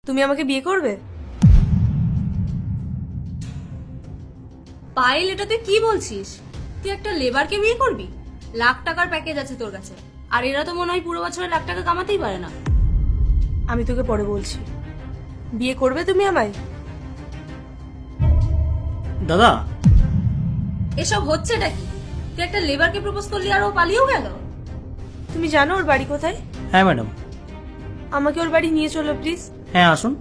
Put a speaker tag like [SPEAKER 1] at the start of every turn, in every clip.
[SPEAKER 1] তুমি আমাকে বিয়ে করবে?
[SPEAKER 2] পায়েল, এটা তুই কি বলছিস? তুই একটা লেবারকে বিয়ে করবি? লাখ টাকার প্যাকেজ আছে তোর কাছে, আর এরা তো মনে হয় পুরো বছরে লাখ টাকা কামাতেই পারে না।
[SPEAKER 1] আমি তোকে পরে বলছি। বিয়ে করবে তুমি আমায়?
[SPEAKER 3] দাদা,
[SPEAKER 2] এসব হচ্ছেটা কি? তুই একটা লেবারকে প্রপোজ করলি আর ও পালিয়েও গেল?
[SPEAKER 1] তুমি জানো ওর বাড়ি কোথায়?
[SPEAKER 3] হ্যাঁ ম্যাডাম।
[SPEAKER 1] আমাকে ওর বাড়ি নিয়ে চলো প্লিজ।
[SPEAKER 3] হ্যাঁ আসুন।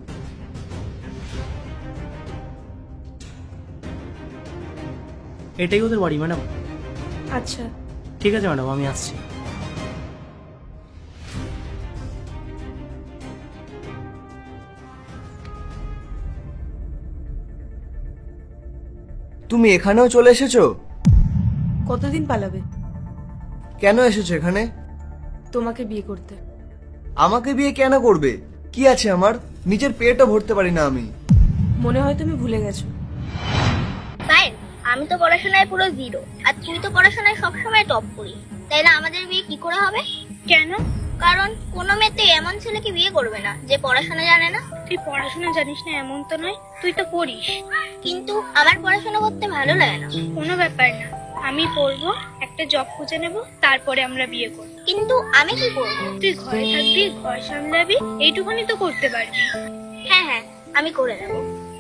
[SPEAKER 3] এটাই ওদের বাড়ি ম্যাডাম।
[SPEAKER 1] আচ্ছা,
[SPEAKER 3] ঠিক আছে ম্যাডাম, আমি আসছি।
[SPEAKER 4] তুমি এখানেও চলে এসেছো?
[SPEAKER 1] কতদিন পালাবে?
[SPEAKER 4] কেন এসেছো এখানে?
[SPEAKER 1] তোমাকে বিয়ে করতে।
[SPEAKER 4] আমাকে বিয়ে কেন করবে? কি আছে আমার? নিজের পেটও ভরতে পারি না আমি।
[SPEAKER 1] মনে হয় তুমি ভুলে গেছো।
[SPEAKER 5] ফাইন, আমি তো পড়াশোনায় পুরো জিরো, আর তুই তো পড়াশোনায় সবসময় টপ করিস। তাইলে আমাদের বিয়ে কি করে হবে? কেন? কারণ কোনো মেয়ে তো এমন ছেলেকে বিয়ে করবে না যে পড়াশোনা জানে না। তুই পড়াশোনা জানিস না এমন তো নয়, তুই তো পড়িস। কিন্তু আমার পড়াশোনা করতে ভালো লাগে না। কোনো ব্যাপার না, আমি পড়বো, একটা জব খুঁজে নেব, তারপরে আমরা বিয়ে করব। কিন্তু আমি কি করব? তুই ঘরে থাকবি, ঘর সামলাবি, এইটুকুনি তো করতে পারবি। হ্যাঁ হ্যাঁ, আমি করে নেব।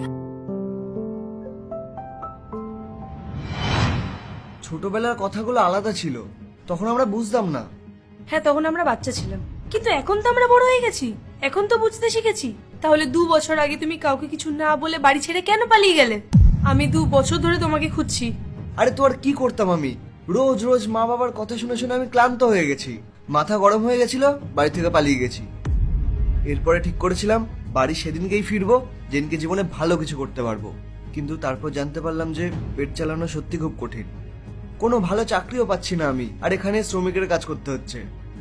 [SPEAKER 4] ছোটবেলার কথাগুলো আলাদা ছিল, তখন আমরা বুঝতাম না।
[SPEAKER 1] হ্যাঁ, তখন আমরা বাচ্চা ছিলাম, কিন্তু এখন তো আমরা বড় হয়ে গেছি। এখন তো বুঝতে শিখেছি। তাহলে 2 বছর আগে তুমি কাউকে কিছু না বলে বাড়ি ছেড়ে কেন পালিয়ে গেলে? আমি 2 বছর ধরে তোমাকে খুঁজছি।
[SPEAKER 4] আরে তো আর কি করতাম আমি? রোজ রোজ মা বাবার কথা শুনে শুনে আমি ক্লান্ত হয়ে গেছি, মাথা গরম হয়ে গেছিল, বাড়ি থেকে পালিয়ে গেছি। এরপরে ঠিক করেছিলাম বাড়ি সেদিনকেই ফিরবো যেদিনকে জীবনে ভালো কিছু করতে পারবো। কিন্তু তারপর জানতে পারলাম যে পেট চালানো সত্যি খুব কঠিন। কোনো ভালো চাকরিও পাচ্ছি না আমি, আর এখানে শ্রমিকের কাজ করতে হচ্ছে।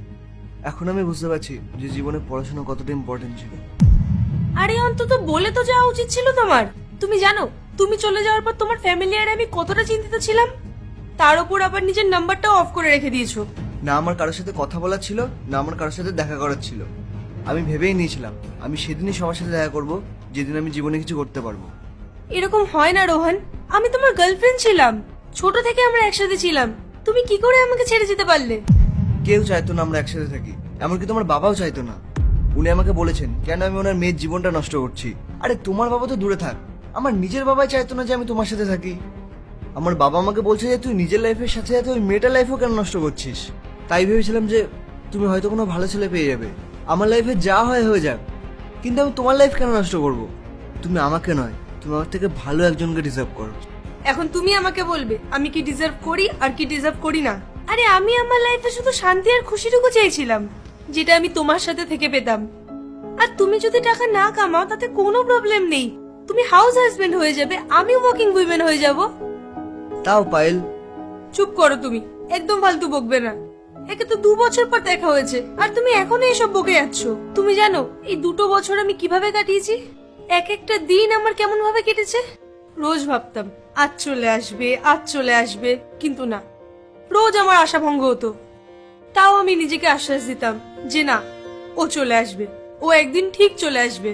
[SPEAKER 4] এখন আমি বুঝতে পারছি যে জীবনে পড়াশোনা কতটা ইম্পর্টেন্ট ছিল।
[SPEAKER 1] আরে অন্তত বলে তো যাওয়া উচিত ছিল তোমার। তুমি জানো তুমি চলে যাওয়ার পর তোমার ফ্যামিলি আর আমি কতটা চিন্তিত ছিলাম। তার উপর আবার নিজের নাম্বারটাও অফ করে রেখে দিয়েছো।
[SPEAKER 4] না আমার কারোর সাথে কথা বলার ছিল, না আমার কারোর সাথে দেখা করার ছিল। আমি ভেবেই নিয়েছিলাম আমি সেদিনই সবার সাথে দেখা করব যেদিন আমি জীবনে কিছু করতে পারবো।
[SPEAKER 1] এরকম হয় না রোহন, আমি তোমার গার্লফ্রেন্ড ছিলাম, ছোট থেকে আমরা একসাথে ছিলাম। তুমি কি করে আমাকে ছেড়ে যেতে পারলে?
[SPEAKER 4] কেউ চাইতো না আমরা একসাথে থাকি, এমনকি তোমার বাবাও চাইতো না। উনি আমাকে বলেছেন কেন আমি ওনার মেয়ের জীবনটা নষ্ট করছি। আরে তোমার বাবা তো দূরে থাক, আমার নিজের বাবাই চাইতো না যে আমি তোমার সাথে থাকি। আমার বাবা আমাকে বলছে যে তুই নিজের লাইফের সাথে সাথে ওই মেয়েটার লাইফও কেন নষ্ট করছিস। তাই ভেবেছিলাম যে তুমি হয়তো কোনো ভালো ছেলে পেয়ে যাবে, আমার লাইফে যা হয় হয়ে যাক, কিন্তু আমি তোমার লাইফ কেন নষ্ট করব? তুমি আমাকে নয়, তুমি আমার থেকে ভালো একজনকে ডিজার্ভ করো।
[SPEAKER 1] এখন তুমি আমাকে বলবে আমি কি ডিজার্ভ করি আর কি ডিজার্ভ করি না? আরে আমি আমার লাইফে শুধু শান্তি আর খুশিটুকু চেয়েছিলাম, যেটা আমি তোমার সাথে থেকে পেতাম। আর তুমি যদি টাকা না কামাও তাতে কোনো প্রবলেম নেই, তুমি হাউস হাজবেন্ড হয়ে যাবে, আমি ওয়ার্কিং উইমেন হয়ে যাব।
[SPEAKER 4] তাও পায়েল,
[SPEAKER 1] চুপ করো তুমি, একদম ফালতু বকবে না। একে তো 2 বছর পর দেখা হয়েছে আর তুমি এখনো এসব বকে যাচ্ছ। তুমি জানো এই 2 বছর আমি কিভাবে কাটিয়েছি? এক একটা দিন আমার কেমন ভাবে কেটেছে। রোজ ভাবতাম আজ চলে আসবে, আজ চলে আসবে, কিন্তু না, রোজ আমার আশা ভঙ্গ হতো। তাও আমি নিজেকে আশ্বাস দিতাম যে না, ও চলে আসবে, ও একদিন ঠিক চলে আসবে।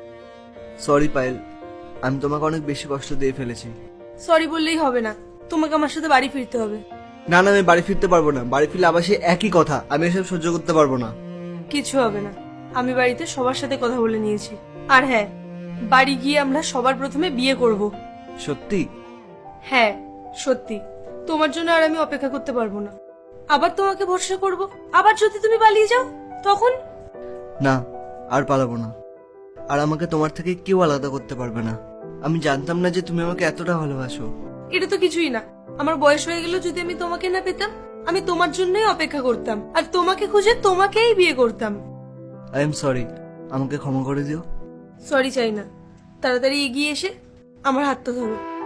[SPEAKER 4] সরি পায়েল, আমি তোমাকে অনেক বেশি কষ্ট দিয়ে ফেলেছি।
[SPEAKER 1] সরি বললেই হবে না, তোমাকে আমার সাথে বাড়ি ফিরতে হবে।
[SPEAKER 4] না না, আমি বাড়ি ফিরতে পারবো না। বাড়ি ফিরলে আবার সে একই কথা, আমি এসব সহ্য করতে পারবো না।
[SPEAKER 1] কিছু হবে না, আমি বাড়িতে সবার সাথে কথা বলে নিয়েছি। আর হ্যাঁ, বাড়ি গিয়ে আমরা সবার প্রথমে বিয়ে করব।
[SPEAKER 4] সত্যি?
[SPEAKER 1] হ্যাঁ সত্যি, তোমার জন্য আর আমি অপেক্ষা করতে পারবো না। আবার তোমাকে ভরসা করব, আবার যদি তুমি পালিয়ে যাও তখন?
[SPEAKER 4] না, আর পালাবো না। আর আমাকে তোমার থেকে কেউ আলাদা করতে পারবে না। আমি জানতাম না যে তুমি আমাকে এতটা ভালোবাসো।
[SPEAKER 1] এটা তো কিছুই না, আমার বয়স হয়ে গেল যদি আমি তোমাকে না পেতাম, আমি তোমার জন্যই অপেক্ষা করতাম আর তোমাকে খুঁজে তোমাকেই বিয়ে করতাম।
[SPEAKER 4] আই এম সরি, আমাকে ক্ষমা করে দিও।
[SPEAKER 1] সরি চাই না, তাড়াতাড়ি এগিয়ে এসে আমার হাতটা ধরো।